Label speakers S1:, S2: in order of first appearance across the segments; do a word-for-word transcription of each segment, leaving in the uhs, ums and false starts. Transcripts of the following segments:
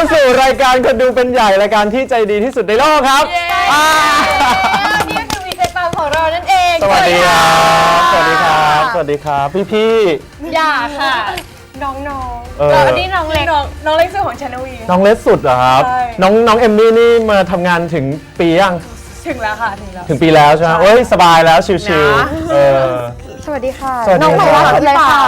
S1: สู่รายการคนดูเป็นใหญ่รายการที่ใจดีที่สุดในโลกครับ
S2: นี่ก็คือวีเจปังของเรานั่นเอง
S1: สวัสดีครับสวัสดีครับสวัสดีครับพี่พี่
S2: อย่าค่ะน้องน้อง
S1: แล้ว
S2: อันนี้น้องเล็กน้องน้องเล็กสุดของชานวี
S1: น้องเล็กสุดเหรอครับน้องน้องเอมมี่นี่มาทำงานถึงปียัง
S2: ถึงแล้วค่ะถึงแล้ว
S1: ถึงปีแล้วใช่ไหมเอ้ยสบายแล้วชิวๆเออ
S2: สวัสดีค่ะ
S1: น้องบอกว่าสุดเลยค่ะ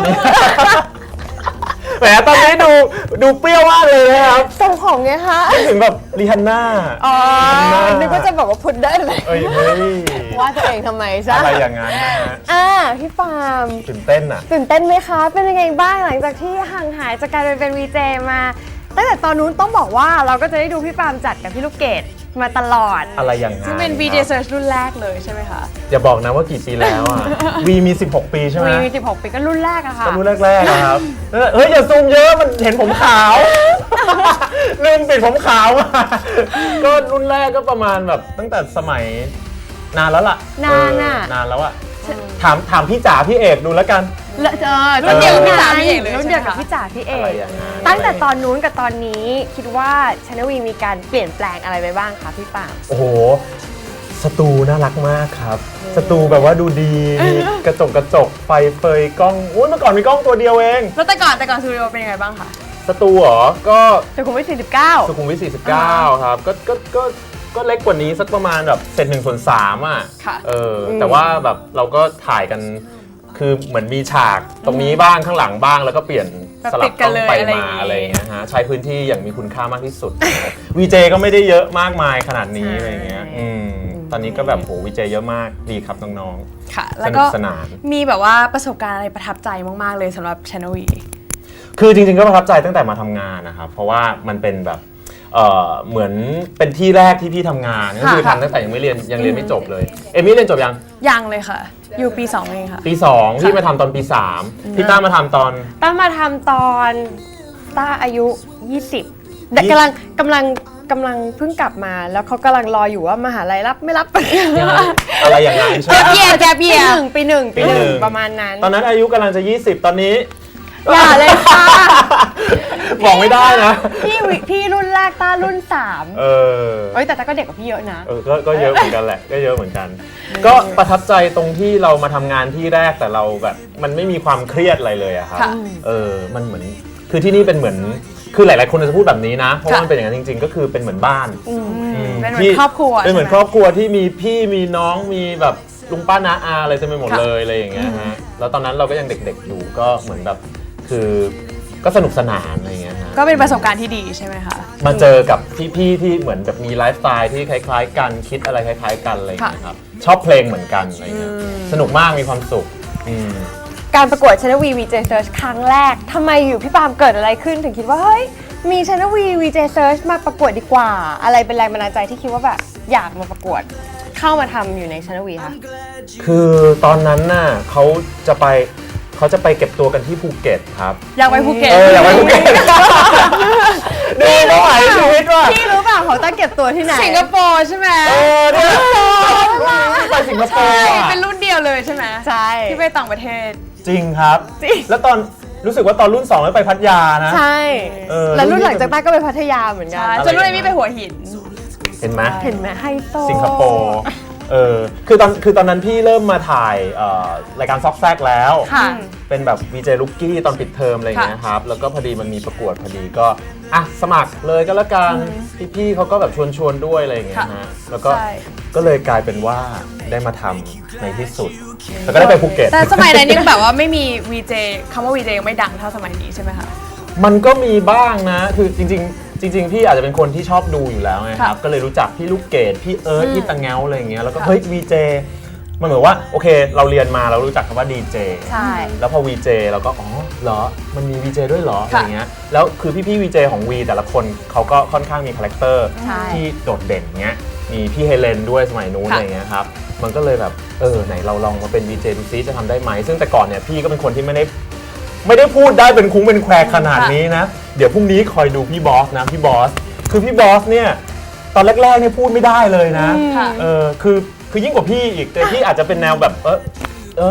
S1: แหมตอนนี้ดูดูเปรี้ยวมากเลยนะครับ
S2: ทรงผมไงคะ
S1: ถึงแบบรีฮันน่า
S2: อ๋อนึกว่าจะบอกว่าพุดได้เลย
S1: เอ้ยเฮ้ย
S2: ว่าตัวเองทำไมใช่
S1: อะไรอย่างนั้นนะฮะ
S2: อ่าพี่ปาล์ม
S1: ตื่นเต้นอ่ะ
S2: ตื่นเต้นไหมคะเป็นยังไงบ้างหลังจากที่ห่างหายจากการเป็นวีเจมาตั้งแต่ตอนนู้นต้องบอกว่าเราก็จะได้ดูพี่ปาล์มจัดกับพี่ลูกเกดมาตลอด
S1: อะไรอย่างนั้น
S2: ซึ่งเป็น วี เจ Search รุ่นแรกเลยใช่ไหมคะ
S1: อย่าบอกนะว่ากี่ปีแล้วอ่ะ วีมีสิบหกปีใช่ไหม
S2: วีมีสิบหกปีก็รุ่นแรกอะค่ะ
S1: ก็รุ่นแรกๆนะครับเฮ้ยอย่าซูมเยอะมันเห็นผมขาวลืมปิดผมขาวมาก็รุ่นแรกก็ประมาณแบบตั้งแต่สมัยนานแล้วล่ะ
S2: นานอ่ะ
S1: นานแล้วอ่ะถามถามพี่จ๋าพี่เอกดูแล้วกัน
S2: รุ่นเดียวกับพี่จ๋าพี่เอกเลยรุ่นเดียวกับพี่จ๋าพี่เอกตั้งแต่ตอนนู้นกับตอนนี้คิดว่าชานวีมีการเปลี่ยนแปลงอะไรไปบ้างคะพี่ปาล์ม
S1: โอ้โหสตูน่ารักมากครับสตูแบบว่าดูดีมีกระจกกระจกไฟเฟยกล้องอุ้ยเมื่อก่อนมีกล้องตัวเดียวเอง
S2: แล้วแต่ก่อนแต่ก่อนสตูดิโอเป็นยังไงบ้างคะ
S1: สตูเหรอก็
S2: สุขุมวิทสี่สิบเก้า
S1: สุขุมวิทสี่สิบเก้าครับก็ก็ก็ก็เล็กกว่านี้สักประมาณแบบเศษหนึ่งส่วนสามอ่ะเออแต่ว่าแบบเราก็ถ่ายกันคือเหมือนมีฉากตรงนี้บ้างข้างหลังบ้างแล้วก็เปลี่ยนสลับกล้องไปมาอะไรอย่างเงี้ยฮะใช้พื้นที่อย่างมีคุณค่ามากที่สุดวีเจก็ไม่ได้เยอะมากมายขนาดนี้อะไรเงี้ยอืมตอนนี้ก็แบบโหวีเจเยอะมากดีครับน้อง
S2: ๆค่ะแล้วก็สนานมีแบบว่าประสบการณ์อะไรประทับใจมากๆเลยสำหรับชานวี
S1: คือจริงๆก็ประทับใจตั้งแต่มาทำงานนะครับเพราะว่ามันเป็นแบบเอ่อเหมือนเป็นที่แรกที่พี่ทำงานก็คือทำตั้งแต่ยังไม่เรียนยังเรียนไม่จบเลยเอมี่เรียนจบยัง
S2: ยังเลยค่ะอยู่ปีสองเองค่ะ
S1: ปีสองพี่มาทำตอนปีสามพี่ต้ามาทำตอน
S2: ต้ามาทำตอนต้าอายุยี่สิบแต่กำลังกำลังกำลังเพิ่งกลับมาแล้วเขากำลังรออยู่ว่ามหาลัยรับไม่รับ
S1: อะไรอย่างนั้นใช่ไหม
S2: แกเบียร์แกเบียร์ปีหนึ่งปีหนึ่งปีหนึ่งประมาณนั้น
S1: ตอนนั้นอายุกำลังจะยี่สิบตอนนี้
S2: อย่าเลยค่ะ
S1: บอกไม่ได้นะ
S2: พี่พี่รุ่นแรกต้ารุ่นสาม
S1: เออ
S2: เอ้ยแต่ต้าก็เด็กกว่าพี่เยอะนะ
S1: เออก็ก็เยอะเหมือนกันแหละก็เยอะเหมือนกันก็ประทับใจตรงที่เรามาทำงานที่แรกแต่เราแบบมันไม่มีความเครียดอะไรเลยอะครับเออมันเหมือนคือที่นี่เป็นเหมือนคือหลายๆคนจะพูดแบบนี้นะเพราะว่ามันเป็นอย่างนั้นจริงๆก็คือเป็นเหมือนบ้าน
S2: เป็นเหมือนครอบครัว
S1: เป็นเหมือนครอบครัวที่มีพี่มีน้องมีแบบลุงป้าน้าอาอะไรเต็มไปหมดเลยอะไรอย่างเงี้ยฮะแล้วตอนนั้นเราก็ยังเด็กๆอยู่ก็เหมือนแบบคือก็สนุกสนานอะไรเงี้ยฮะ
S2: ก็เป็นประสบการณ์ที่ดีใช่ไหมคะ
S1: มาเจอกับพี่ๆที่เหมือนแบบมีไลฟ์สไตล์ที่คล้ายๆกันคิดอะไรคล้ายๆกันอะไรเงี้ยครับชอบเพลงเหมือนกันอะไรเงี้ยสนุกมากมีความสุข
S2: การประกวดชานวี วี เจ Search ครั้งแรกทำไมอยู่พี่ปาล์มเกิดอะไรขึ้นถึงคิดว่าเฮ้ยมีชานวี วี เจ Search มาประกวดดีกว่าอะไรเป็นแรงบันดาลใจที่คิดว่าแบบอยากมาประกวดเข้ามาทำอยู่ในชานวีคะ
S1: คือตอนนั้นน่ะเขาจะไปเขาจะไปเก็บตัวกันที่ภูเก็ตครับ
S2: อยากไปภูเก็ต
S1: เอออยากไปภูเก็ตดูไม่ไหวชีวิตว่ะ
S2: พี่รู้เปล่าเขาต้องเก็บตัวที่ไหนสิงคโปร์ใช่ไหม
S1: เออเนี่ยไปสิงคโปร์
S2: เป็นรุ่นเดียวเลยใช่ไหมใช่ที่ไปต่างประเทศ
S1: จริงครับแล้วตอนรู้สึกว่าตอนรุ่นสองแล้วไปพัทยานะ
S2: ใช่แล้วรุ่นหลังจากต้าก็ไปพัทยาเหมือนกันจนรุ่นนี้ไปหัวหิน
S1: เห็นไหม
S2: เห็นไหมไฮโซ
S1: สิงคโปร์เออคือตอนคือตอนนั้นพี่เริ่มมาถ่ายรายการซอกแซกแล้วเป็นแบบ วี เจ ลูกกี้ตอนปิดเทอมอะไรอย่างเงี้ยครับแล้วก็พอดีมันมีประกวดพอดีก็อ่ะสมัครเลยก็แล้วกันพี่ๆเขาก็แบบชวนชวนด้วยอะไรอย่างเงี้ยฮะแล้วก็ก็เลยกลายเป็นว่าได้มาทำในที่สุดแล้วก็ได้ไปภูเก็ต
S2: แต่สมัยนั้นนี่แบบว่าไม่มี วี เจ คำว่า วี เจ ยังไม่ดังเท่าสมัยนี้ใช่ไหมคะ
S1: มันก็มีบ้างนะคือจริงๆจริงๆพี่อาจจะเป็นคนที่ชอบดูอยู่แล้วไงครับก็เลยรู้จักพี่ลูกเกดพี่เอิร์ธพี่ตังเงาอะไรอย่างเงี้ยแล้วก็เฮ้ย วี เจ มันเหมือนว่าโอเคเราเรียนมาเรารู้จักคำว่า ดี เจ
S2: ใช่
S1: แล้วพอ วี เจ เราก็อ๋อเหรอมันมี วี เจ ด้วยเหรออะไรเงี้ยแล้วคือพี่ๆ วี เจ ของ วี แต่ละคนเขาก็ค่อนข้างมีคาแรคเตอร์ที่โดดเด่นเงี้ยมีพี่เฮเลนด้วยสมัยนู้นอะไรเงี้ยครับมันก็เลยแบบเออไหนเราลองมาเป็น วี เจ ดูซิจะทำได้ไหมซึ่งแต่ก่อนเนี่ยพี่ก็เป็นคนที่ไม่ได้ไม่ได้พูดได้เป็นคุ้งเป็นแควขนาดนี้นะเดี๋ยวพรุ่งนี้คอยดูพี่บอสนะพี่บอสคือพี่บอสเนี่ยตอนแรกๆเนี่ยพูดไม่ได้เลยนะเออคือคือยิ่งกว่าพี่อีกแต่พี่อาจจะเป็นแนวแบบเออเออ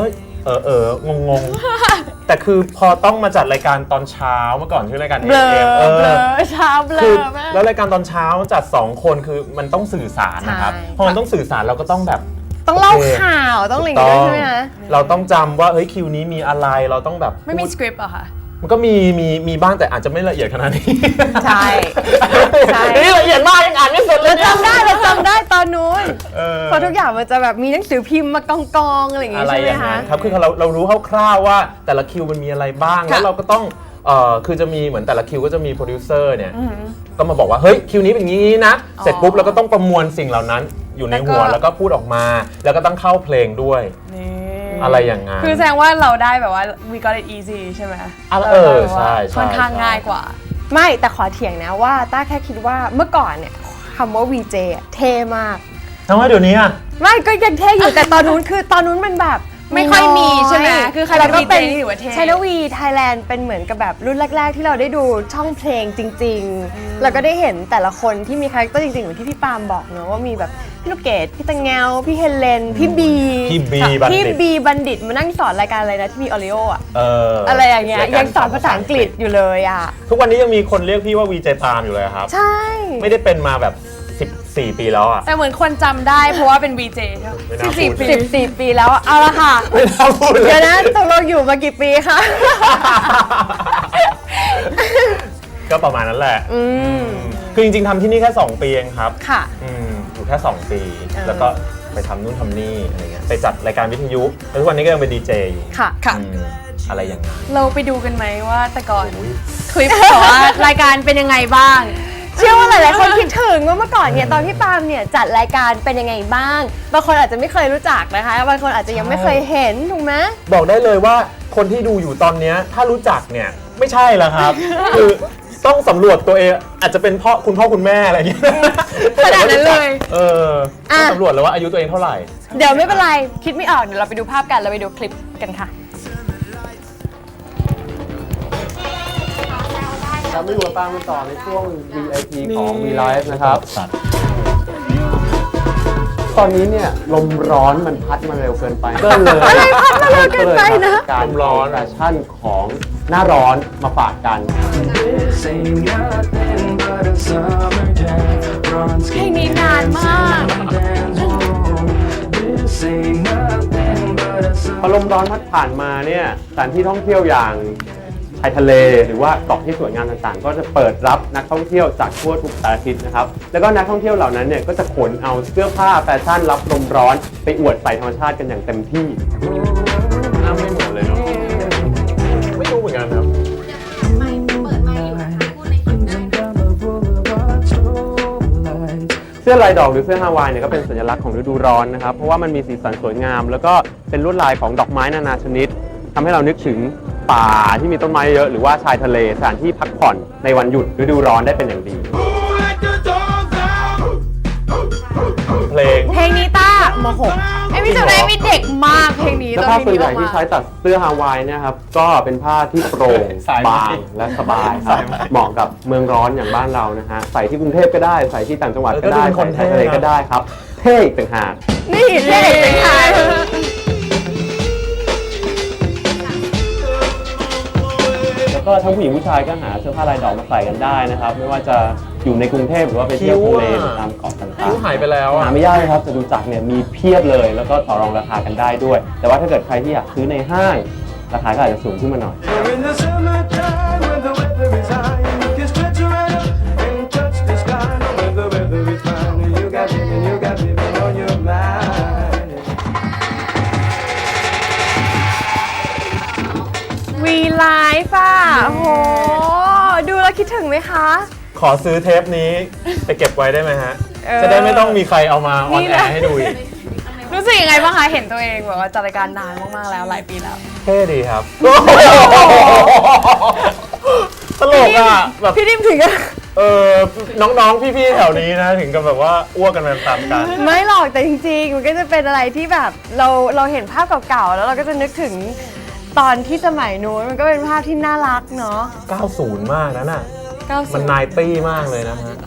S1: เออเอองงงๆ แต่คือพอต้องมาจัดรายการตอนเช้าเมื่อก่อนชื่อรายการ
S2: เบลอ
S1: เอ็ม เอ
S2: เบล
S1: อ
S2: อเช้าเบล
S1: คือ
S2: อมาก
S1: แล้วรายการตอนเช้าจัดสองคนคือมันต้องสื่อสารนะครับ
S2: ใช่
S1: พอมันต้องสื่อสารเราก็ต้องแบบ
S2: ต้องเล่า
S1: โอเค
S2: ข่าวต้องอะไรอย่างเงี้ยด้วยใช่ไหมคะ
S1: เราต้องจำว่าเฮ้ยคิวนี้มีอะไรเราต้องแบบ
S3: ไม่มี
S1: พูด
S3: สคริปต์เหรอคะ
S1: มันก็มีมีมีบ้างแต่อาจจะไม่ละเอียดขนาดนี้
S2: ใช่ใช่
S1: นี่ละเอียดมากยังอ่านไม่เสร็จเล
S2: เรา
S1: ยเนี่ย
S2: จำได้เราจำได้ตอนนู้น
S1: เออ
S2: เพราะทุกอย่างมันจะแบบมีหนังสือพิมพ์มากองกองๆอะไรอย่างเงี้
S1: อะ
S2: ย
S1: ไร
S2: ใช่ไห
S1: อ
S2: ม
S1: ย่าง
S2: คะ
S1: นั้นครับคือเราเรารู้คร่าวๆว่าแต่ละคิวมันมีอะไรบ้าง
S3: ค่ะ
S1: แล้วเราก็ต้องเอ่อคือจะมีเหมือนแต่ละคิวก็จะมีโปรดิวเซอร์เนี่ยก็มาบอกว่าเฮ้ยคิวนี้เป็นอย่างนี้นะเสร็จปุ๊บเราก็ต้องประมวลสิ่งเหล่านั้นอยู่ในหัวแล้วก็พูดออกมา แล้วก็ต้องเข้าเพลงด้วย
S3: นี่
S1: อะไรอย่างนั้น
S3: คือแสดงว่าเราได้แบบว่า we got it easy ใช่ไหม
S1: อ่ะเออใช่ใช่
S3: ค่อนข้างง่ายกว่า
S2: ไม่แต่ขอเถียงนะว่าต้าแค่คิดว่าเมื่อก่อนเนี่ยคำว่า วี เจ อะเท่มาก
S1: ทำไมเดี๋ยวนี้อ่ะ
S2: ไม่ก็ยังเท่อยู่ แต่ตอนนู้นคือตอนนู้นมันแบบ
S3: ไม่ค่อยมีใช่ไหมคือใคร
S2: แล้วก็เป็น
S3: เป็น วี เจ นี่ถือว่าเท่
S2: ช n วีไทยแลนด์เป็นเหมือนกับแบบรุ่นแรก ๆ ที่เราได้ดูช่องเพลงจริง ๆ แล้วก็ได้เห็นแต่ละคนที่มีคาแรคเตอร์จริงๆเหมือนที่พี่ปาล์มบอกเนอะว่ามีแบบพี่ลูกเกดพี่ตังเงาพี่เฮเลนพี่บี
S1: พี่บีบัณฑิต
S2: พี่บีบัณฑิตมานั่งสอนรายการอะไรนะที่มีออริโออะ
S1: เออ
S2: อะไรอย่างเงี้ยยังสอนภาษาอังกฤษอยู่เลยอ่ะ
S1: ทุกวันนี้ยังมีคนเรียกพี่ว่าวีเจปาล์มอยู่เลยครับ
S2: ใช่
S1: ไม่ได้เป็นมาแบบสิบสี่ปีแล้วอ่ะ
S3: แต่เหมือนคนจำได้เพราะว่าเป็น วี เจ ใช่ไหม
S1: ไม่น่า
S3: สิบ
S1: พู
S3: สี่
S1: ด
S3: ปี
S2: สิบสี่ปีแล้วอะเอาละค่ะ
S1: ไม่น่าพูดเลย
S2: เดี๋ยวนะตกลงอยู่มากี่ปีคะ
S1: ก็ประมาณนั้นแหละ
S2: อืม
S1: คือจริงๆทำที่นี่แค่ สอง ปีเองครับ
S2: ค่ะ
S1: อืมอยู่แค่ สอง ปี
S2: เออ
S1: แล้วก็ไปทำนู่นทำนี่อะไรเงี้ยไปจัดรายการวิทยุแล้วทุกวันนี้ก็ยังเป็นดีเจอยู่
S2: ค่ะ
S3: ค่ะ
S1: อืมอะไรอย่างนั้น
S3: เราไปดูกันไหมว่าแต่ก่อน
S1: อุ๊ย
S3: คลิปแต่ว่ารายการเป็นยังไงบ้าง
S2: เชื่อว่าหลายๆคนคิดถึงว่าเมื่อก่อนเนี่ยตอนพี่ปาล์มเนี่ยจัดรายการเป็นยังไงบ้าง บางคนอาจจะไม่เคยรู้จักนะคะ บางคนอาจจะยังไม่เคยเห็นถูกไหม
S1: บอกได้เลยว่าคนที่ดูอยู่ตอนเนี้ยถ้ารู้จักเนี่ยไม่ใช่แล้วครับ คือต้องสำรวจตัวเองอาจจะเป็นพ่อคุณพ่อคุณแม่อะไรอย่างเงี้ย
S3: ขนาดนั้นเลย
S1: เออต้องสำรวจเลยว่าอายุตัวเองเท่าไหร่
S2: เดี๋ยวไม่เป็นไร คิดไม่ออก เดี๋ยวเราไปดูภาพกัน เราไปดูคลิปกันค่ะ
S4: ครับไม่รู้ว่าตามกันต่อในช่วง วี ไอ พี ของ V Live นะครับ ตอนนี้เนี่ยลมร้อนมันพัดมาเร็วเกินไปก็เลย
S2: อะไรพัดมาเร็วเกินไปนะ
S4: การร้อนแฟชั่นของหน้าร้อนมาฝากกัน
S3: เพลงนี้นานมาก
S4: พอลมร้อนพัดผ่านมาเนี่ยสถานที่ท่องเที่ยวอย่างชายทะเลหรือว่าเกาะที่สวยงามต่างๆ ก็จะเปิดรับนักท่องเที่ยวจากทั่วทุกสารทิศนะครับ แล้วก็นักท่องเที่ยวเหล่านั้นเนี่ยก็จะขนเอาเสื้อผ้าแฟชั่นรับลมร้อนไปอวดใส่ธรรมชาติกันอย่างเต็มที่
S1: น้ำไม่เหมือนเลยเนาะไม่รู้เหมือนกันครับ
S4: เสื้อลายดอกหรือเสื้อฮาวายเนี่ยก็เป็นสัญลักษณ์ของฤดูร้อนนะครับ เพราะว่ามันมีสีสันสวยงาม แล้วก็เป็นลวดลายของดอกไม้นานาชนิดทำให้เรานึกถึงป่าที่มีต้นไม้เยอะหรือว่าชายทะเลสถานที่พักผ่อนในวันหยุดฤดูร้อนได้เป็นอย่างดี
S1: เพลง
S3: เพลงนี้ต้ามหกไอ้พี่จำได้มีเด็กมากเพลงนี้
S4: แล้ว
S3: ต
S4: ผ้า
S3: อนเพ
S4: ส่
S3: ล
S4: วน
S3: ง
S4: ให
S3: นี้ออกมา
S4: ญ่ที่ใช้ตัดเสื้อฮาวายเนี่ยครับก็เป็นผ้าที่โปร่ง
S1: สายไหม
S4: บางและสบายครับ
S1: สายไหม
S4: เหมาะกับเมืองร้อนอย่างบ้านเรานะฮะใส่ที่กรุงเทพก็ได้ใส่ที่ต่างจังหวัดก็ได้
S1: เออก็ดูเป็นคน
S4: ใส่ในทะเล
S1: เท่นะ
S4: ก็ได้ครับเท่อีกต่างหาก
S2: นี่เด็กเป็นใคร
S4: แล้วก็ทั้งผู้หญิงผู้ชายก็หาเสื้อผ้าลายดอกมาใส่กันได้นะครับ ไม่ว่าจะอยู่ในกรุงเทพหรือว่าไปเที่ยวทะเลหรือตามเกาะต่าง
S1: คิ้วหายไปแล้ว
S4: ๆ
S1: อะ
S4: หาไม่ยากเลยครับจตุจักรเนี่ยมีเพียบเลย แล้วก็ต่อรองราคากันได้ด้วย แต่ว่าถ้าเกิดใครที่อยากซื้อในห้าง ราคาก็อาจจะสูงขึ้นมาหน่อย
S5: In the summertime when the weather is high, you can stretch right up and touch the sky. When the weather is fine, you got me and you got me on your mind.
S2: วีไลฟ์อ่ะโอ้โห ดูแล้วคิดถึงไหมคะ
S1: ขอซื้อเทปนี้ไปเก็บไว้ได้ไหมฮะ
S2: เออ
S1: จะได้ไม่ต้องมีใครเอามาออนแอร์ให้ดูอีก
S3: รู้สึกยังไงบ้างคะเห็นตัวเองแบบว่าจัดรายการนานมากๆแล้วหลายปีแล้ว
S1: เท่ดีครับ ตลกอ่ะแบบ
S2: พี่ดิมถึงอะ
S1: เออน้องๆ พี่ๆ แถวนี้นะ ถึงกับแบบว่าอ้วกกันไปตามกัน
S2: ไม่หรอกแต่จริงๆ มันก็จะเป็นอะไรที่แบบเราเราเห็นภาพเก่าๆ แล้วเราก็จะนึกถึงตอนที่สมัยนู้นมันก็เป็นภาพที่น่ารักเนาะ
S1: เก้าสิบ มากนะน่ะ
S3: เก้า
S1: มัน
S3: สิบ
S1: นายตี้มากเลยนะฮะ เ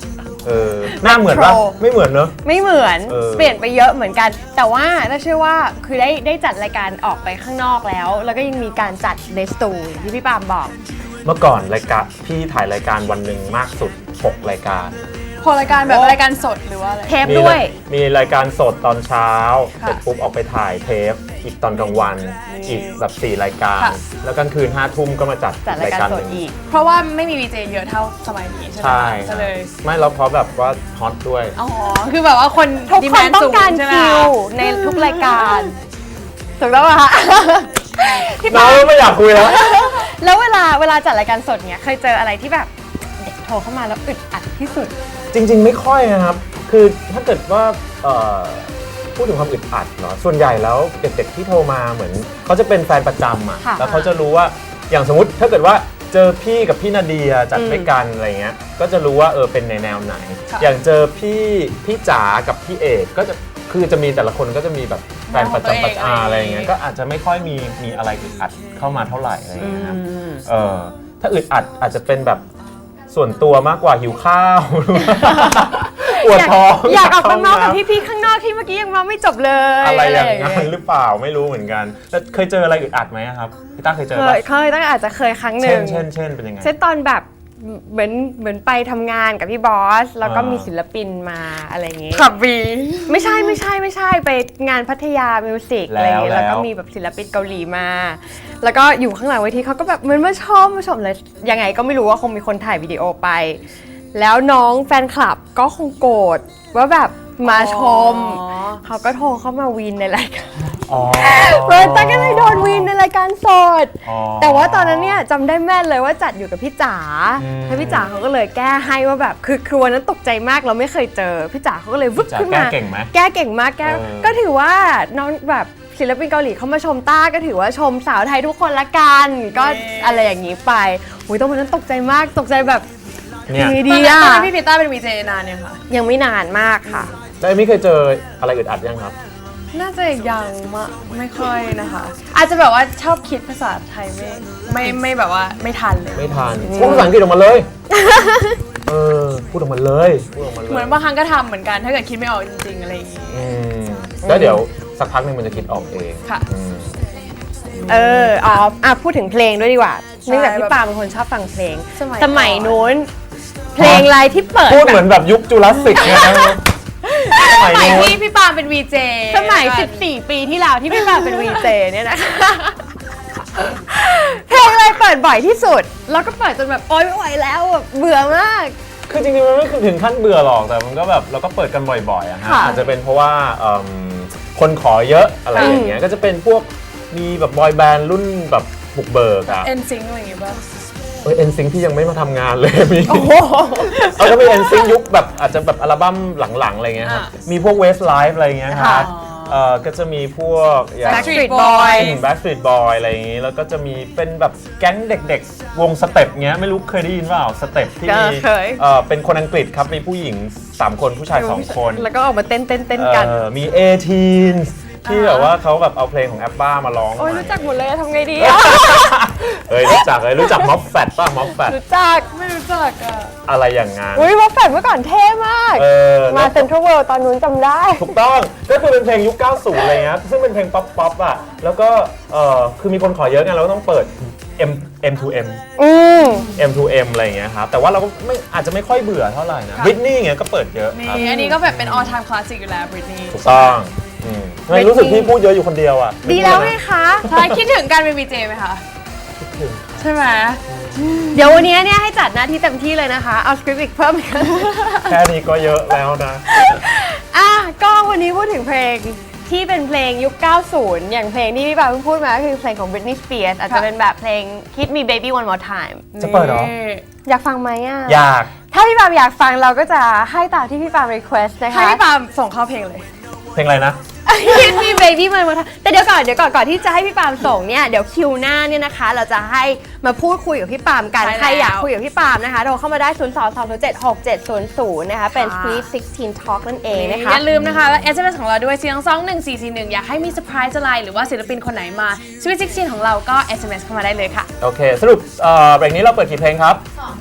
S1: เออหน้าเหมือนปะไม่เหมือนเนอะ
S2: ไม่เหมือน
S1: เออ
S2: เปลี่ยนไปเยอะเหมือนกัน แต่ว่าน่าเชื่อว่าคือได้ได้จัดรายการออกไปข้างนอกแล้ว แล้วก็ยังมีการจัดในสตูอย่างที่พี่ปาล์มบอก
S1: เมื่อก่อนรายการพี่ถ่ายรายการวันหนึ่งมากสุดหกรายการ
S3: พอรายการแบบรายการสดหรือว่าอะไร
S2: เทปด้วย
S1: มีมีรายการสดตอนเช้า
S3: ค่ะ
S1: เสร็จปุ๊บออกไปถ่ายเทปอีกตอนกลางวันอีกแบบสี่รายการ
S3: ค่ะ
S1: แล้วกลางคืนห้าทุ่มก็มาจัด
S2: จัดรายการสด
S1: หนึ่ง
S2: อีก
S3: เพราะว่าไม่มีวีเจเยอะเท่าสมัยนี้ใช่ไหม
S1: ใช่
S3: ก็เลย
S1: ไม่แล้วเพราะแบบว่าฮอตด้วย
S3: อ๋อคือแบบว่าคน
S2: ทุก
S3: ดี
S2: ค
S3: แม
S2: น
S3: น
S2: ต้อ
S3: สู
S2: ง
S3: ง
S2: การ
S3: ใช่ไหม
S2: คิวในทุกรายการถูกต้องป่ะคะพี่
S1: น้
S2: ปา
S1: อง
S2: ล์ม
S1: ไม่อยากคุยแล้ว
S2: แล้วเวลาเวลาจัดรายการสดเนี่ยเคยเจออะไรที่แบบเด็กโทรเข้ามาแล้วอึดอัดที่สุด
S1: จริง ๆ ไม่ค่อยนะครับ คือถ้าเกิดว่าเอ่อพูดถึงความอึดอัดเนาะ ส่วนใหญ่แล้วเด็กๆที่โทรมาเหมือนเขาจะเป็นแฟนประจำอ่ะ
S2: ค่ะ
S1: แล้วเขาจะรู้ว่า อย่างสมมติถ้าเกิดว่าเจอพี่กับพี่นาเดียจัด
S2: อืม
S1: ด้วยกันอะไรเงี้ย ก็จะรู้ว่าเออเป็นในแนวไหน อย่างเจอพี่พี่จ๋ากับพี่เอกก็จะ คือจะมีแต่ละคนก็จะมีแบบแฟนประจำประจาอะไรเงี้ย ก็อาจจะไม่ค่อยมีมีอะไรอึดอัดเข้ามาเท่าไหร่อะไรเงี้ยครับ เออถ้าอึดอัดอาจจะเป็นแบบส่วนตัวมากกว่าหิวข้าว ปวดท้อง
S2: อยากออกไปเมาส์กับ
S1: เข้าห้ง
S2: พี่ๆข้างนอกที่เมื่อกี้ยังเมาส์ไม่จบเลย
S1: น้ำอะไรอย่าง
S2: เงี้
S1: นั้นหรือเปล่าไม่รู้เหมือนกันแต่เคยเจออะไรอึดอัดไหมครับพี่ต้าเคยเจอ
S2: เค
S1: ปะ
S2: ยเคยตั้งอาจจะเคยครั้งห
S1: เช่
S2: นึ่
S1: น
S2: ง
S1: เช่นเช่นเป็นยังไง
S2: เช่นตอนแบบเหมือนเหมือนไปทำงานกับพี่บอส แล้วก็
S1: อ่ามี
S2: มีศิลปินมาอะไรอย่างงี้
S3: ขับวี
S2: ไม่ใช่ไม่ใช่ไม่ใช่ไปงานพัทยามิวสิกอะไรอย่างงี้
S1: แล้ว
S2: แล้วก็มีแบบศิลปินเกาหลีมา แล้วก็อยู่ข้างหลังเวทีเขาก็แบบเหมือนมาชมมาชมเลยยังไงก็ไม่รู้ว่าคงมีคนถ่ายวิดีโอไป แล้วน้องแฟนคลับก็คงโกรธว่าแบบมาชม เขาก็โทรเข้ามาวีนในรายการ
S1: อ๋อ
S2: เฟิร์นตั๊กก็เลยโดนวีนในรายการสด
S1: อ๋อ
S2: แต่ว่าตอนนั้นเนี่ยจำได้แม่นเลยว่าจัดอยู่กับพี่จ๋า
S1: อืม
S2: แล้วพี่จ๋าเขาก็เลยแก้ให้ว่าแบบคือคือวันนั้นตกใจมากเราไม่เคยเจอพี่จ๋าเขาก็เลยวึบ
S1: จ๋า
S2: ขึ้น
S1: แก้
S2: มา
S1: เก่งไหม
S2: แก้เก่งมากแก้
S1: เออ
S2: ก็ถือว่าน้องแบบศิลปินเกาหลีเขามาชมต้าก็ถือว่าชมสาวไทยทุกคนละกันก็อะไรอย่างนี้ไปอุ้ยตอนวันนั้นตกใจมากตกใจแบบ
S1: เนี่ย
S2: ยังไง
S3: ตอ
S2: ดี
S3: นนั้น
S2: อะ
S3: ตอนนั้นพี่พีต้าเป็นวีเจนานเนี่ยค่ะ
S2: ยังไม่นานมากค่ะ
S1: แล้วเอมี่เคยเจออะไรอึดอัดยังครับ
S3: น่าจะยังมะไม่ค่อยนะคะ อาจจะแบบว่าชอบคิดภาษาไทยไม่ไม่ไม่แบบว่าไม่ทันเลย
S1: ไม่ทันพูดภาษาอังกฤษออกมาเลย เออพูดออกมาเลยพูดออกมาเลย
S3: เหมือนบางครั้งก็ทำเหมือนกันถ้าเกิดคิดไม่ออกจริงๆอะไรอย่างงี้
S1: อืมแล้วเดี๋ยวสักพักหนึ่งมันจะคิดออกเอง
S3: ค่ะ
S1: อืม
S2: เอออ๋ออ่ะพูดถึงเพลงด้วยดีกว่า
S3: ใช่
S2: เนื่องจากพี่ปาเป็นคนชอบฟังเพลง
S3: สมัย
S2: สมัย
S3: ก่อน
S2: นู้น เพลงอะไรที่เปิด
S1: พูด
S2: แบบ
S1: เหมือนแบบยุคจูราสสิกนะสมัย
S3: สมัย
S1: นู้น
S3: ที่พี่ปาเป็นวีเจ
S2: สมัย สิบสี่ ปีที่แล้วที่พี่ปาเป็นวีเจเนี่ยนะคะ เพลงอะไรเปิดบ่อยที่สุด แล้วก็เปิดจนแบบโอ๊ยไม่ไหวแล้วแบบเบื่อมาก
S1: คือจริงๆมันไม่ถึงขั้นเบื่อหรอกแต่มันก็แบบเราก็เปิดกันบ่อยๆอะฮะ
S2: ค่ะ
S1: อาจจะเป็นเพราะว่าเอิ่มคนขอเยอะอะไรอย่างเงี้ยก็จะเป็นพวกมีแบบบอยแบนด์รุ่นแบบบุกเบิกอะ
S3: เอ็นซิงอะไรอย่างงี้ป่ะ
S1: เออเอ็นซิงที่ยังไม่มาทำงานเลยมี
S2: โอ้โห
S1: เอาก็มีเอ็นซิงยุคแบบอาจจะแบบอัลบั้มหลังๆอะไรเงี้ยครับ
S3: อ่ะ
S1: มีพวกเวสไลฟ์อะไรเงี้ยครับ
S3: อ๋อ
S1: เออก็จะมีพวกอย่าง
S3: Backstreet
S2: Backstreet
S3: Boy
S2: Boy
S1: แบ็กสตรีทบอยอะไรอย่างงี้ แล้วก็จะมีเป็นแบบแก๊งเด็กๆ วงสเต็ปเงี้ยไม่รู้เคยได้ยินเปล่าสเต็ปที่มี
S2: เคย
S1: เออเป็นคนอังกฤษครับ มีผู้หญิง สาม คนผู้ชาย สอง คน
S2: แล้วก็ออกมาเต้นเต้นเต้นกัน
S1: เออมีเอทีนที่แบบว่าเขาแบบเอาเพลงของแอปบ้ามาร้อง
S2: โอ้ย
S1: ใหม่
S2: รู้จักหมดเลยทำไงดีอะ
S1: เอ้ยรู้จักเลยรู้จักม็อบแฟตป่ะม็อบแฟต
S2: รู้จัก
S3: ไม่รู้จักอ่ะ
S1: อะไรอย่างงั้น
S2: อุ้ยวอลแฟนเมื่อก่อนเท่มาก
S1: เออ
S2: มา
S1: แล้ว
S2: เซ็นทรัลเวิลด์ตอนนู้นจำได้
S1: ถูกต้องก็คือเป็นเพลงยุค เก้าสิบ อะไรเงี้ยซึ่งเป็นเพลงป๊อปป๊อปอ่ะแล้วก็เออคือมีคนขอเยอะไงเราก็ต้องเปิด M M to M
S2: อืม
S1: M to M อะไรอย่างเงี้ยครับแต่ว่าเราก็ไม่อาจจะไม่ค่อยเบื่อเท่าไหร่นะ
S3: ค่ะ
S1: บริตนี่เงี้ยก็เปิดเยอะครับ
S3: นี่อันนี้ก็แบบเป็น all time classic อยู่แล้วบริตนี่
S1: ถูกต้องอืมทำไมรู้สึกพี่พูดเยอะอยู่คนเดียวอ่ะ
S2: ดีแล้วไง
S1: ไม่
S2: คะ
S3: ใช่คิดถึงการเป็นวีเจไหมคะ
S1: พูดเลยนะ
S3: ใช่ไหม
S2: เดี๋ยววันนี้เนี่ยให้จัดหน้าที่เต็มที่เลยนะคะ เอาสคริปต์อีกเพิ่มอีก
S1: แค่นี้ก็เยอะแล้วนะ
S2: อ่ะก็วันนี้พูดถึงเพลงที่เป็นเพลงยุค เก้าสิบ อย่างเพลงที่พี่ปาเพิ่งพูดมาก็คือเพลงของ Britney Spears อาจจะเป็นแบบเพลง Hit Me Baby One More Time
S1: จะเปิดเหรอ
S3: นี่
S2: อยากฟังไหมอ่ะ
S1: อยาก
S2: ถ้าพี่ปามอยากฟังเราก็จะให้ตามที่พี่ปาม request นะคะ
S3: ให้พี่ปาส่งเข้าเพลงเลย
S1: เพลงอะไรนะ
S2: Hit Me Baby One More Time แต่เดี๋ยวก่อนเดี๋ยวก่อนก่อนที่จะให้พี่ปามส่งเนี่ยเดี๋ยวคิวหน้าเนี่ยนะคะ เราจะให้มาพูดคุยกับพี่ปามกัน
S3: ใช่แล้ว
S2: ใครอยากคุยกับพี่ปามนะคะโทรเข้ามาได้ ศูนย์ สอง สอง เจ็ด หก เจ็ด ศูนย์ ศูนย์ นะคะเป็น
S3: ค่ะ
S2: Sweet สิบหก Talk นั่นเองนะคะ
S3: อย่าลืมนะคะและ เอส เอ็ม เอส ของเราด้วยเสียงสองหนึ่งสี่สี่หนึ่งอยากให้มีเซอร์ไพรส์อะไรหรือว่าศิลปินคนไหนมาชีวิตซิกซีนของเราก็ เอส เอ็ม เอส เข้ามาได้เลยค่ะ
S1: โอเค สรุปเอ่อเบรกนี้เราเปิดกี่เพลงครับ
S3: ส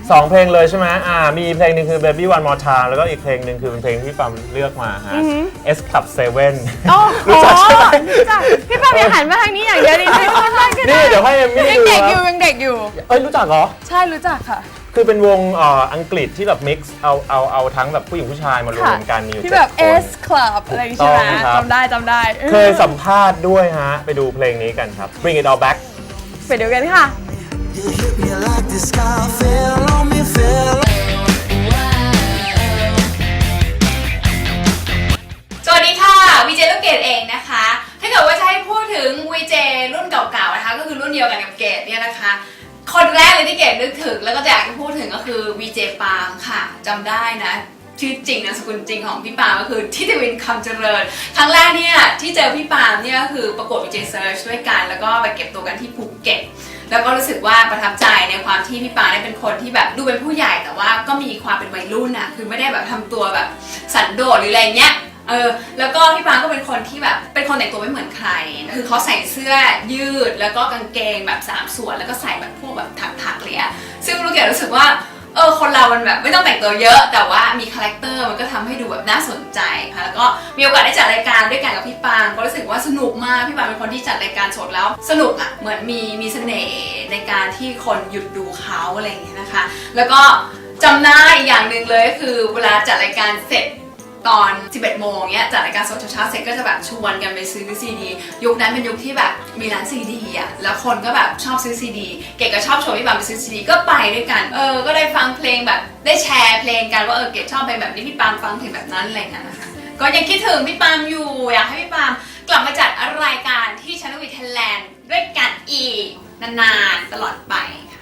S1: สองเพลงเลยใช่ไหมอ่ามีเพลงหนึ่งคือ Baby One More Time แล้วก็อีกเพลงหนึ่งคือเป็นเพลงที่ปั๊มเลือกมาฮะ S Club เซเว่น
S2: โอ้โห
S1: รู้จักใช่ไหม
S2: รู้จักพี่ปามอย่าหันมาทางนี้อย่างเดียวดิไม่ว่าไม่ก็ได้
S1: นี่เดี๋ยวให้เอมมี่
S3: ยัง
S1: ดู
S3: เด็ก
S1: ค
S3: อยู่
S1: รับ
S3: ยังเด็กอยู่
S1: เอ้ยรู้จักเหรอ
S3: ใช่รู้จักค่ะ
S1: คือเป็นวงเอ่ออังกฤษที่แบบมิกซ์เอาเอาเอาทั้งแบบผู้หญิงผู้ชายมารวมกันมีอยู่
S3: ที่
S1: เจ็ด
S3: แบบ
S1: คน
S3: S Club อะไรอย่างงี้ใช่ไหม
S1: ถูกต้องครับ
S3: จำได้จำได้
S1: เคยสัมภาษณ์ด้วยฮะ ไปดูเพลงนี้กันครับ Bring It All Back
S2: ไปดูกันค่ะ
S6: You hit me like the sky fell on me, fell.
S7: สวัสดีค่ะวีเจลูกเกดเองนะคะ ถ้าเกิดว่าจะให้พูดถึงวีเจรุ่นเก่าๆนะคะก็คือรุ่นเดียวกันกับเกดเนี่ยนะคะ คนแรกเลยที่เกดนึกถึงแล้วก็อยากจะพูดถึงก็คือวีเจปาล์มค่ะจำได้นะชื่อจริงนามสกุลจริงของพี่ปาล์มก็คือทิติวินคำเจริญครั้งแรกเนี่ยที่เจอพี่ปาล์มเนี่ยก็คือประกวดวีเจเซิร์ชด้วยกันแล้วก็ไปเก็บตัวกันที่ภูเก็ตแล้วก็รู้สึกว่าประทับใจในความที่พี่ปาเนี่ยเป็นคนที่แบบดูเป็นผู้ใหญ่แต่ว่าก็มีความเป็นวัยรุ่นอะคือไม่ได้แบบทำตัวแบบสันโดษหรืออะไรเงี้ยเออแล้วก็พี่ปาก็เป็นคนที่แบบเป็นคนแต่งตัวไม่เหมือนใครคือเขาใส่เสื้อยืดแล้วก็กางเกงแบบสามส่วนแล้วก็ใส่แบบพวกแบบถักๆเลยอะซึ่งลูกเกดรู้สึกว่าเออคนเรามันแบบไม่ต้องแต่งตัวเยอะแต่ว่ามีคาแรคเตอร์มันก็ทำให้ดูแบบน่าสนใจค่ะแล้วก็มีโอกาสได้จัดรายการด้วยกันกับพี่ปางก็รู้สึกว่าสนุกมากพี่ปางเป็นคนที่จัดรายการสดแล้วสนุกอ่ะเหมือนมีมีเสน่ห์ในการที่คนหยุดดูเขาอะไรอย่างเงี้ยนะคะแล้วก็จำได้อีกอย่างหนึ่งเลยก็คือเวลาจัดรายการเสร็จตอน สิบเอ็ดโมงเนี้ยจัดรายการสดเช้าๆเสร็จก็จะแบบชวนกันไปซื้อซีดียุคนั้นเป็นยุคที่แบบมีร้านซีดีอ่ะแล้วคนก็แบบชอบซื้อซีดีเกดก็ชอบชวนพี่ปามไปซื้อซีดีก็ไปด้วยกันเออก็ได้ฟังเพลงแบบได้แชร์เพลงกันว่าเออเกดชอบเพลงแบบนี้พี่ปามฟังเพลงแบบนั้นอะไรอย่างเงี้ยนะคะก็ยังคิดถึงพี่ปามอยู่อยากให้พี่ปามกลับมาจัดรายการที่ชาแนลวีไทยแลนด์ด้วยกันอีกนานๆตลอดไป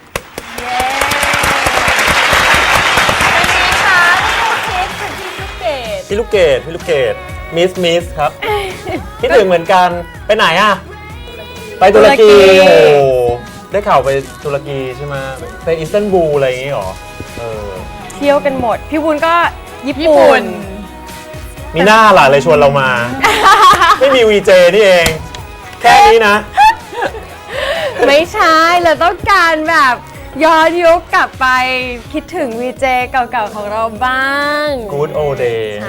S7: ค่ะ
S1: พี่ลูกเกดพี่ลูกเกดมิสมิสครับ คิดถึงเหมือนกันไปไหนอ่ะ ไปตุรกี
S2: ตุรกี
S1: โอ้โหได้ข่าวไปตุรกีใช่ไหมไปอิสตันบูลอะไรอย่างงี้หรอเออ
S2: เที่ยวกันหมด พี่วุ้นก็ญี่
S3: ญี่
S2: ปุ่
S3: ปุ่
S2: น
S3: น
S1: มีหน้าหล่ะเลยชวนเรามา ไม่มีวีเจนี่เอง แค่นี้นะ
S2: ไม่ใช่เราต้องการแบบย้อนยุคกลับไปคิดถึงวีเจเก่าๆของเราบ้าง
S1: Good old day
S2: ใช่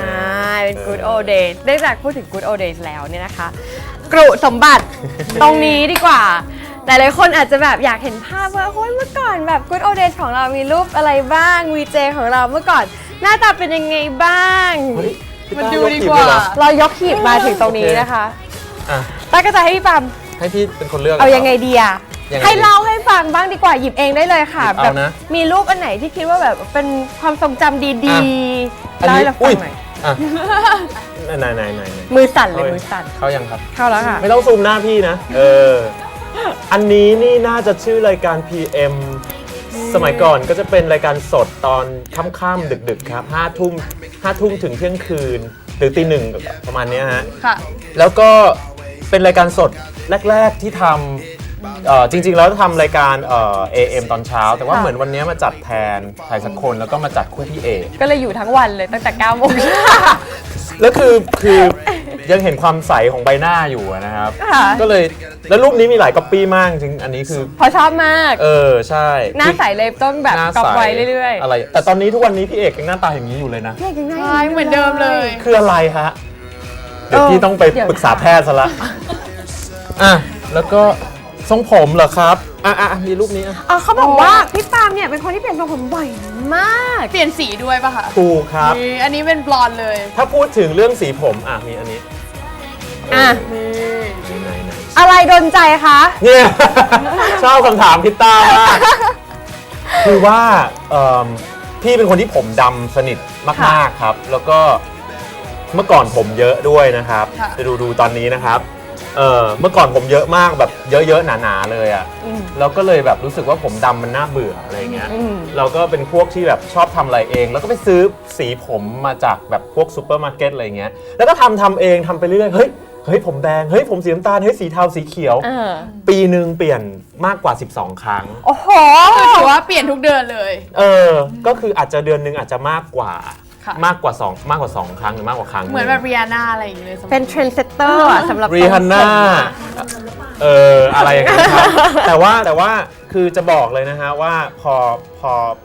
S2: เป็น Good Old Days ได้จากพูดถึง Good Old Days แล้วเนี่ยนะคะ กรุสมบัติ ตรงนี้ดีกว่า หลายๆคนอาจจะแบบอยากเห็นภาพว่าโอ้ยเมื่อก่อนแบบ Good Old Days ของเรามีรูปอะไรบ้างวีเจของเราเมื่อก่อนหน้าตาเป็นยังไงบ้าง
S1: เฮ้ยพี่
S3: มัน
S1: ต้
S3: ดู
S1: ย
S3: ดี
S1: ถีบ
S3: กว่า
S1: เลยเหรอ
S2: เรายกขีดมาถึงตรงนี้นะคะ
S1: อ่ะ
S2: ต้าก็จะให้พี่ปาม
S1: ให้พี่เป็นคนเลือก
S2: เอายังไงดีอะ
S1: ยังไงดี
S2: ให้เล่าให้ฟังบ้างดีกว่าหยิบเองได้เลยค่ะ
S1: หยิบเอา
S2: แบบ
S1: นะ
S2: มีรูปอันไหนที่คิดว่าแบบเป็นความทรงจำดี
S1: อ่ะ
S2: ๆ
S1: อัน
S2: เล่า
S1: นี้
S2: ให้เราฟั
S1: อุ้ย
S2: งหน่อย
S1: อ่ะไหนไหนไหนไหน
S2: มือสั่นเลยมือสั่น
S1: เข้ายังครับ
S2: เข้าแล้วค่ะ
S1: ไม่ต้องซูมหน้าพี่นะ เออ อันนี้นี่น่าจะชื่อรายการ พี เอ็ม สมัยก่อนก็จะเป็นรายการสดตอนค่ำๆดึกๆครับห้าทุ่มห้าทุ่มถึงเที่ยงคืน หรือตีหนึ่งประมาณเนี้ยฮะ
S3: ค่ะ
S1: แล้วก็เป็นรายการสดแรก ๆที่ทำเอ่อจริงๆแล้วทำรายการเอ่อ เอ เอ็ม ตอนเช้า แต่ว่า
S2: ค่ะ
S1: เหมือนวันนี้มาจัดแทนใครสักคนแล้วก็มาจัดคู่พี่เอก
S2: ก็เลยอยู่ทั้งวันเลยตั้งแต่เก้าโมง
S1: แล้วคือคือยังเห็นความใสของใบหน้าอยู่อะนะครับ
S2: ค่ะ
S1: ก็เลยแล้วรูปนี้มีหลายก๊อปปี้มากจริงอันนี้คือ
S2: เพราะชอบมาก
S1: เออใช่
S2: หน้าใสเลยต้องแบบ
S1: หน้า
S2: ก๊อป
S1: ใส
S2: ไว้เรื่อยๆ
S1: อะไรแต่ตอนนี้ทุกวันนี้พี่เอกยังหน้าตาอย่างนี้อยู่เลยนะ
S2: เรียกยังไง
S3: ใช่เหมือนเดิมเลย
S1: คืออะไรฮะ เดี๋ยว
S2: เออ
S1: พี่ต้องไป
S2: เดี๋ยว
S1: ปรึกษาแพทย์ซะละอ่ะแล้วก็ทรงผมเหรอครับอ่ะอ่ะมีรูปนี้อ่ะ
S2: อ๋อเขาบอกว่าพี่ปาล์มเนี่ยเป็นคนที่เปลี่ยนทรงผมบ่อยมาก
S3: เปลี่ยนสีด้วยป่ะคะ
S1: ถูกครับ
S3: นี่อันนี้เป็นบลอนด์เลย
S1: ถ้าพูดถึงเรื่องสีผมอ่ะมีอันนี้
S2: อ่ะ
S1: เไหนไหน
S2: อะไรโดนใจคะ
S1: เนี่ย ชอบคำถามพิตต้ามาก คือว่าเอิ่มพี่เป็นคนที่ผมดำสนิทมากๆครับ แล้วก็เมื่อก่อนผมเยอะด้วยนะครับ
S3: ค่ะ
S1: จะดูดูตอนนี้นะครับเออเมื่อก่อนผมเยอะมากแบบเยอะๆหนาๆเลยอะ่ะแล้วก็เลยแบบรู้สึกว่าผมดำมันน่าเบื่ออะไรเงี้ย
S2: อืม
S1: เราก็เป็นพวกที่แบบชอบทำอะไรเอง แล้วก็ไปซื้อสีผมมาจากแบบพวกซูเปอร์มาร์เก็ตอะไรเงี้ยแล้วก็ทำทำเองทำไปเรื่อยๆเฮ้ยเฮ้ยผมแดงเฮ้ยผมสีน้ำตาลเฮ้ยสีเทาสีเขียว
S2: เออ
S1: ปีหนึ่งเปลี่ยนมากกว่าสิบสองครั้ง
S2: โอ้โห
S3: คือถือว่าเปลี่ยนทุกเดือนเลย
S1: เออ ก็คืออาจจะเดือนหนึ่งอาจจะมากกว่า
S3: ค่ะ
S1: มากกว่าสองมากกว่าสองครั้งหรือมากกว่าครั้ง
S3: เหมือนแบบเรียนาอะไรอย่างเงี้ยเลยสำหรับ
S2: เป็นเทรนด์เซตเตอร์อะสำหรับ
S1: รีฮันน่า เออ อะไรอย่างเงี้ยครับ แต่ว่าแต่ว่าคือจะบอกเลยนะฮะว่าพอพอพ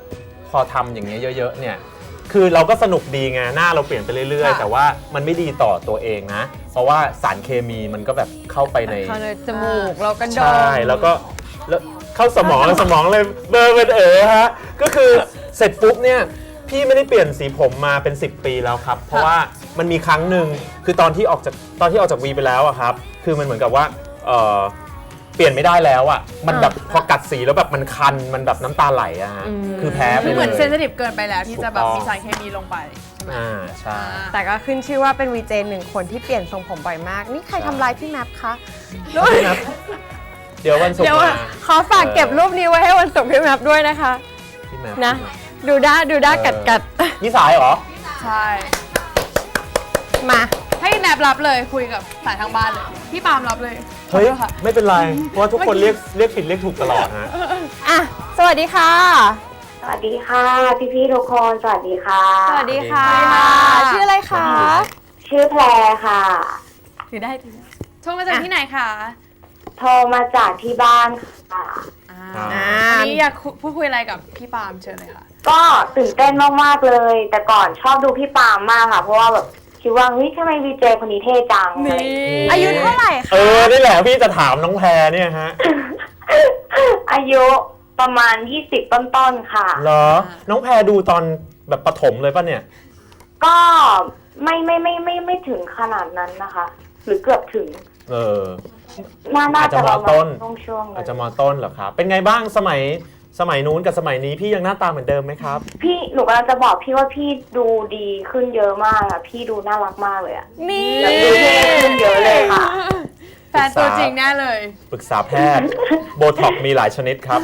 S1: พอทำอย่างเงี้ยเยอะๆเนี่ยคือเราก็สนุกดีไงหน้าเราเปลี่ยนไปเรื่อยๆ
S3: ค่ะ
S1: แต่ว่ามันไม่ดีต่อตัวเองนะ เพราะว่าสารเคมีมันก็แบบเข้าไปใน
S2: เข้าในจมูกเราก็ดม
S1: ใช่แล้วก็แล้วเข้าสมองสมองเลยเบลอเป็นเอ๋อฮะก็คือเสร็จปุ๊บเนี่ยพี่ไม่ได้เปลี่ยนสีผมมาเป็นสิบปีแล้วครับ เพราะว่ามันมีครั้งหนึ่งคือตอนที่ออกจากตอนที่ออกจากวีไปแล้วอะครับคือมันเหมือนกับว่าเออเปลี่ยนไม่ได้แล้วอะมันแบบพอกัดสีแล้วแบบมันคันมันแบบน้ำตาไหลอะฮะคือแพ้ไป
S3: คือ
S1: เลย
S3: เหมือนเซนซิทีฟเกินไปแล้วที่จะแบบ
S1: ถูกต้อง
S3: มีสารเคมีลงไปใช่ไหม
S1: อ่าใช่
S2: แต่ก็ขึ้นชื่อว่าเป็นวีเจหนึ่งคนที่เปลี่ยนทรงผมบ่อยมาก นี่ใครทำลายพี่แมปคะ
S1: พี่นับเดี๋ยววันศุก
S2: เดี๋ยว
S1: ร์มา
S2: ขอฝากเก็บรูปนี้ไว้ให้วันศุกร์พี่แมปด้วยนะคะ
S1: พี่แมป
S2: นะ ดูด้าดูด้ากัดกัด
S1: นี่สายเหรอ
S3: ใช่
S2: มา
S3: ให้แนบรับเลยคุยกับสายทางบ้านเลยพี่ปาล์มรับเลย
S1: เฮ้ย
S3: ขอโทษค่ะ
S1: ไม่เป็นไร เพราะว่าทุกคนเรียกเรียกผิดเรียกถูกตลอดฮะ
S2: อ่ะ สวัสดีค่ะ
S8: สวัสดีค่ะ พี่พี่ๆทุกคนสวัสดีค่ะ
S2: สวัสดีค่ะ
S1: สวัสดีค่ะ
S2: ชื่ออะไรคะ
S8: ชื่อแพรค่ะ
S2: ถือได้ถือได้
S3: โทรมาจากที่ไหนคะ
S8: โทรมาจากที่บ้านค่ะ
S3: อ่า
S1: อ่า
S3: วันนี้อยากพูดคุยอะไรกับพี่ปาล์มเชิญเลยค่ะ
S8: ก็ตื่นเต้นมากๆเลย แต่ก่อนชอบดูพี่ปาล์มมากค่ะ เพราะว่าแบบคิดว่าเฮ้ยทำไมวีเจคนนี้เท่จังอะไรอย่างงี้
S2: อายุเท่าไหร่
S1: เอ
S2: คะ
S1: อ นี่แหละพี่จะถามน้องแพรเนี่ยฮะ
S8: อายุประมาณยี่สิบต้นๆค่ะ
S1: เหรอ น้องแพรดูตอนแบบประถมเลยป่ะเนี่ย
S8: ก็ไม่ไม่ไม่ไม่ไม่ถึงขนาดนั้นนะคะ หรือเกือบถึง
S1: เออ
S8: น่าน่า
S1: อาจจะ
S8: จะประ
S1: มต้
S8: มาน ณช่วงๆเล
S1: อาจ
S8: ย
S1: จะมต้นเหรอครับ เป็นไงบ้างสมัยสมัยนู้นกับสมัยนี้พี่ยังหน้าตาเหมือนเดิมไหมครับ
S8: พี่หนูกำลังจะบอกพี่ว่าพี่ดูดีขึ้นเยอะมากค่ะพี่ดูน่ารักมากเลยอะ
S2: นี่
S8: ดูเท่ขึ้นเยอะเลยค่ะ
S3: แฟนตัวจริงแน่เลย
S1: ปรึกษาแพทย์ โบท็อกมีหลายชนิดครับ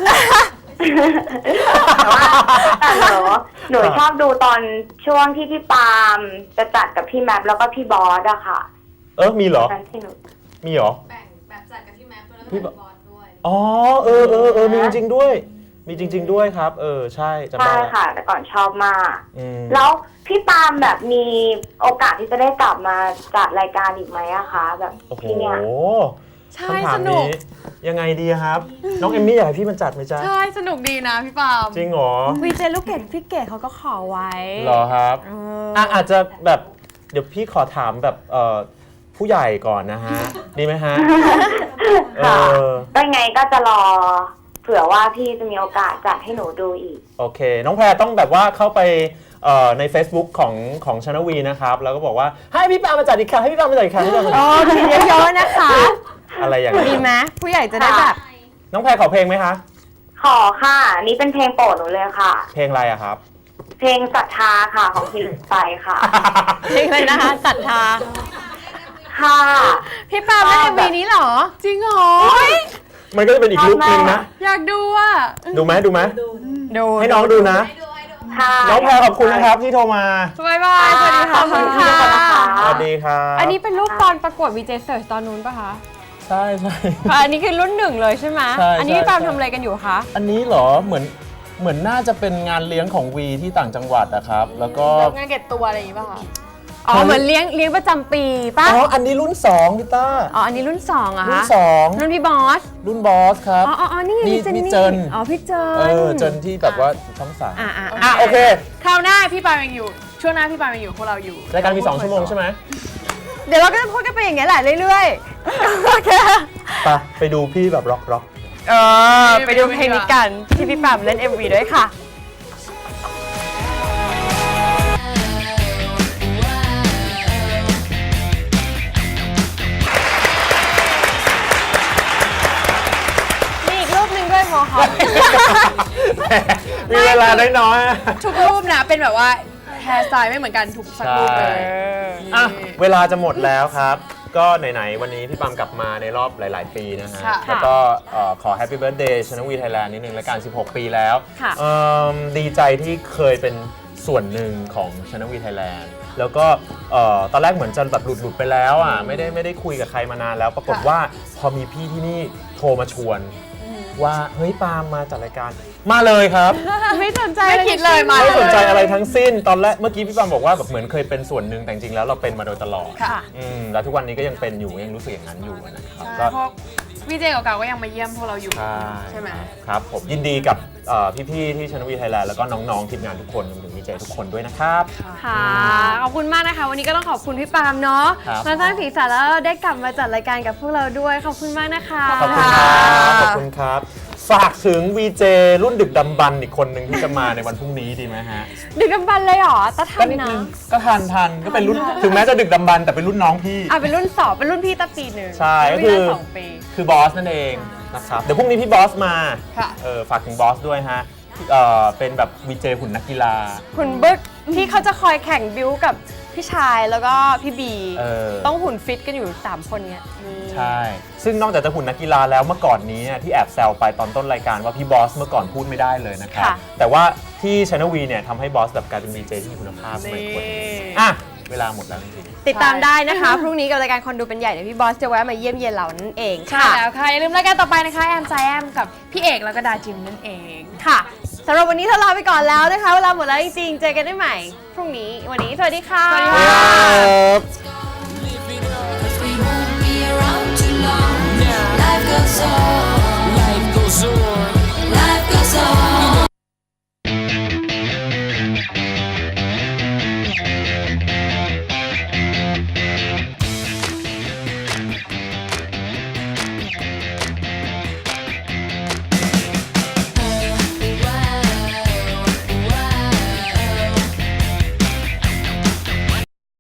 S8: แต่ว่าแต่หนูหนูชอบดูตอนช่วงที่พี่ปาล์มจะจัดกับพี่แมปแล้วก็พี่บอสอะค่ะ
S1: เออ มีเหรอ
S8: นั่นที่หนู
S1: มีเหรอ
S7: แบ่งแบบจัดกับพี่แมปด้วยแล้วก็
S1: พี่
S7: แบ่
S1: บ
S7: งบอสด้วย
S1: อ๋อ เออเออเออมีจริงๆด้วย มีจริง ๆ ด้วยครับ เออ ใช่จำ
S8: ใช่
S1: ได้ละ
S8: ค่ะ แต่ก่อนชอบมาก
S1: อืม
S8: แล้วพี่ปาล์มแบบมีโอกาสที่จะได้กลับมาจัดรายการอีกไหมอะคะแบบ
S1: โอ้โห
S8: ที่เนี่ย
S3: ใช่
S1: คำถา
S3: ส
S1: ม
S3: นุก
S1: นี้ยังไงดีครับ น้องเอมมี่อยากให้พี่มันจัดไหมจ๊ะ
S3: ใช่สนุกดีนะพี่ปาล์ม
S1: จริงเหรอ
S2: วีเจลูกเกดพี่เกดเขาก็ขอไว้
S1: เหรอครับ
S2: เออ
S1: อ่ะอาจจะแบบเดี๋ยวพี่ขอถามแบบเอ่อผู้ใหญ่ก่อนนะฮะ ดีไหมฮะ เอ
S8: ค่ะ
S1: อ
S8: ก็ยังไงก็จะรอเผื่อว่าพี่จะมีโอกาสจัดให้หนูดูอีก
S1: โอเค น้องแพรต้องแบบว่าเข้าไปเอ่อใน Facebook ของของชานวีนะครับ แล้วก็บอกว่าให้พี่ปามาจัดอีกครั้งให้พี่ปามาจัดอีกครั้งให้พี่ปามาจัด
S2: โอ้ทีเยอะๆนะคะ
S1: อะไรอย่าง
S2: ดี
S1: เงี้ย
S2: ไหมผู้ใหญ่จะได้แบบ
S1: น้องแพรขอเพลงไหมคะ
S8: ขอค่ะ นี่เป็นเพลงโปรดหนูเลยค่ะ
S1: เพลงอะไรอะครับ
S8: เพลงศรัทธาค่ะของพี่หลุยส์ไปค่ะ
S2: เพลงอะไรนะคะศรัทธา
S8: ค่ะ
S2: พี่ปาล์มเล่นเอ็มวีนี้เหรอ
S3: จริงเหรอ
S1: มันก็จะเป็นอีกลุคนึงนะ
S3: อยากดูอ่ะ
S1: ดูไหมดูไหม
S2: ดู
S1: ให้น้องดูนะ
S8: ค่ะ
S1: น้องแพรขอบคุณนะครับที่โทรมา
S3: บายบายสวัสดีค่ะ
S8: ขอบคุณค่ะ
S1: สวัสดีครับ
S2: อันนี้เป็นรูปตอนประกวดวีเจเสิร์ชตอนนู้นปะคะ
S1: ใช่ใช่
S2: อ่ะอันนี้คือรุ่นหนึ่งเลยใช่ไหม
S1: ใช่
S2: อันนี้
S1: ใช่
S2: พี่ปาล์ม
S1: ใช่
S2: ทำอะไรกันอยู่คะ
S1: อันนี้เหรอเหมือนเหมือนน่าจะเป็นงานเลี้ยงของวีที่ต่างจังหวัดนะครับ แล้วก็
S3: งานเก็บตัวอะไรอย่างงี้ป่ะคะ
S2: อ๋อเหมือนเลี้ยงเลี้ยงประจำปีป่ะ
S1: อ๋ออันนี้รุ่นสองพี่ต้า
S2: อ๋ออันนี้รุ่นสองอะ
S1: รุ่
S2: คะ
S1: นสอง
S2: รุ่นพี่บอส
S1: รุ่นบอสครับ
S2: อ๋ออ๋ออ๋อนี่
S1: นี่
S2: พี่เจน
S1: นี่
S2: นี่
S1: เจิน
S2: อ๋อพี่เจน
S1: เออเจนที่แบบว่าช่องสาม
S2: อ่ะอ่ะ
S1: อ่ะโอเค
S3: คราวหน้าพี่ปาล์มยังอยู่ ช่วงหน้าพี่ปาล์มยังอยู่พวกเราอยู่
S1: รายการมีสองชั่วโมงใช่ไหม
S2: เดี๋ยวเราก็จะพูดกันไปอย่างเงี้ยแหละเรื่อยๆโอเค
S1: ไปไปดูพี่แบบร็อกร็อก
S2: เออไปดูเพลงนี้กันที่พี่ปาล์มเล่น เอ็ม วี ด้วยค่ะ มีอีกรูปหนึ่งด้วยโมฮอค
S1: มีเวลาน้อยๆอะ
S3: ทุกรูปนะเป็นแบบว่าแฮร์สไตล์ไม่เหมือนกันทุกสักรูปเลย
S1: อ่ะเวลาจะหมดแล้วครับ ก็ไหนๆวันนี้พี่ปามกลับมาในรอบหลาย ๆ ปีนะฮะ
S3: ค่ะ
S1: แล้วก็เอ่อขอแฮปปี้เบิร์ดเดย์ชนวีไทยแลนด์นิดนึงรายการสิบหก ปีแล้ว
S2: ค่ะ
S1: เอิ่มดีใจที่เคยเป็นส่วนหนึ่งของชนวีไทยแลนด์แล้วก็เอ่อตอนแรกเหมือนจะแบบหลุด ๆ ไปแล้วอ่ะไม่ได้ไม่ได้คุยกับใครมานานแล้ว ปรากฏว่าพอมีพี่ที่นี่โทรมาชวน ว่าเฮ้ยปาล์มมาจัดรายการมาเลยครับ
S2: ไม่สนใจ
S3: ไม่คิดเลยมา
S1: ไม่
S3: เล
S1: สน
S3: ย
S1: ใจอะไรทั้งสิ้นตอนแรกเมื่อกี้พี่ปาล์มบอกว่าแบบเหมือนเคยเป็นส่วนหนึ่งแต่จริงๆแล้วเราเป็นมาโดยตลอด
S3: ค่ะ
S1: อืมแล้วทุกวันนี้ก็ยังเป็นอยู่ยังรู้สึกอย่างนั้นอยู่นะครับก็
S3: เพราะวีเจเก่าๆก็ยังมาเยี่ยมพวกเราอยู่
S1: ใช่
S3: ใช่ไหม
S1: ครับผมยินดีกับเอ่อพี่ๆที่ชนวีไทยแลนด์แล้วก็น้องๆทีมงานทุกคนรวมถึงวีเจทุกคนด้วยนะครับ
S2: ค่ะขอบคุณมากนะคะ วันนี้ก็ต้องขอบคุณพี่ปาล์มเนาะ
S1: ครับ
S2: มาสร้างสีสันแล้วได้กลับมาจัดรายการกับพวกเราด้วยขอบคุณมากนะคะ
S1: ขอบคุณครับขอบคุณครับ ฝากถึง วี เจ รุ่นดึกดำบรรพ์อีกคนหนึ่งที่จะมาในวันพรุ่งนี้ดีไหมฮะ
S2: ดึกดำบรรพ์เลยเหรอตาทั
S1: ก็
S2: น
S1: นิด
S2: นะ
S1: นึงก็ทันทันก็เป็นรุ่นถึงแม้จะดึกดำบรรพ์แต่เป็นรุ่นน้องพี่
S2: อ่ะเป็นรุ่นสองเป็นรุ่นพี่ตาปีหนึ่ง
S1: ใช่
S2: รุ่น
S1: ก็คือ
S2: พี่ตาสองปี
S1: คือบอสนั่นเองนะครับเดี๋ยวพรุ่งนี้พี่บอสมา
S2: ค่ะ
S1: เออฝากถึงบอสด้วยฮะเออเป็นแบบ วี เจ หุ่นนักกีฬา
S2: หุ่นบึกที่เขาจะคอยแข่งบิวกับพี่ชายแล้วก็พี่บี
S1: เออ
S2: ต้องหุ่นฟิตกันอยู่สามคนเนี้ยนี่
S1: ใช่ ซึ่งนอกจากจะหุ่นนักกีฬาแล้วเมื่อก่อนนี้เนี่ยที่แอบแซวไปตอนต้นรายการว่าพี่บอสเมื่อก่อนพูดไม่ได้เลยนะครับ
S2: ค่ะ
S1: แต่ว่าที่ Channel V เนี่ยทำให้บอสแบบกลายเป็น วี เจ ที่มีคุณภาพไม่ควรอ่ะเวลาหมดแล้วจริงๆ
S2: ติดตามได้นะคะ พรุ่งนี้กับรายการคนดูเป็นใหญ่เดี๋ยวพี่บอสจะแวะมาเยี่ยมเยียนเรานั่นเอง
S3: ใช่
S2: ค่ะ
S3: แล้วค่ะ อย่าลืมรายการต่อไปนะคะ แอมใจแอมกับพี่เอกแล้วก็ดาจิมนั่นเอง
S2: ค่ะสำหรับวันนี้เราลาไปก่อนแล้วนะคะ เวลาหมดแล้วจริงๆ เจอกันได้ใหม่ พรุ่งนี้วันนี้สวัสดีค่ะ
S3: สวัสดี
S1: ครับ